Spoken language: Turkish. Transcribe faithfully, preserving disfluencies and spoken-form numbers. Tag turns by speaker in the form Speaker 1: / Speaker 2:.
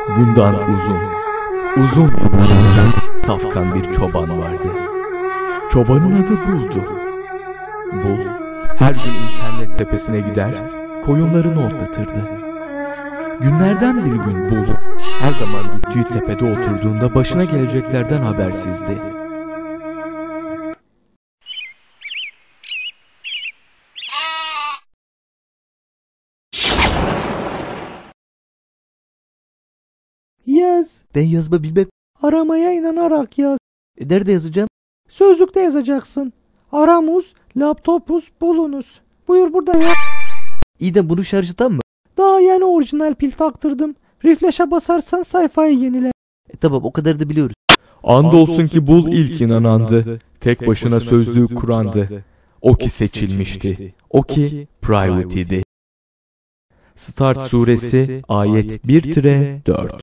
Speaker 1: Bundan uzun, uzun yıllar önce safkan bir çoban vardı. Çobanın adı Bul'du. Bul, her gün internet tepesine gider, koyunlarını otlatırdı. Günlerden bir gün Bul, her zaman gittiği tepede oturduğunda başına geleceklerden habersizdi.
Speaker 2: Yaz.
Speaker 1: Ben yazma bilmem.
Speaker 2: Aramaya inanarak yaz.
Speaker 1: E, nerede yazacağım?
Speaker 2: Sözlükte yazacaksın. Aramuz, laptopuz, bulunuz. Buyur burada ya.
Speaker 1: İyi de bunu şarjıdan mı?
Speaker 2: Daha yeni orijinal pil taktırdım. Refresh'e basarsan sayfayı yenile.
Speaker 1: E, tamam, o kadar da biliyoruz. Andolsun ki Bul ilk inanandı. Tek başına sözlüğü kurandı. O ki seçilmişti. O ki private idi. Start suresi ayet bir dört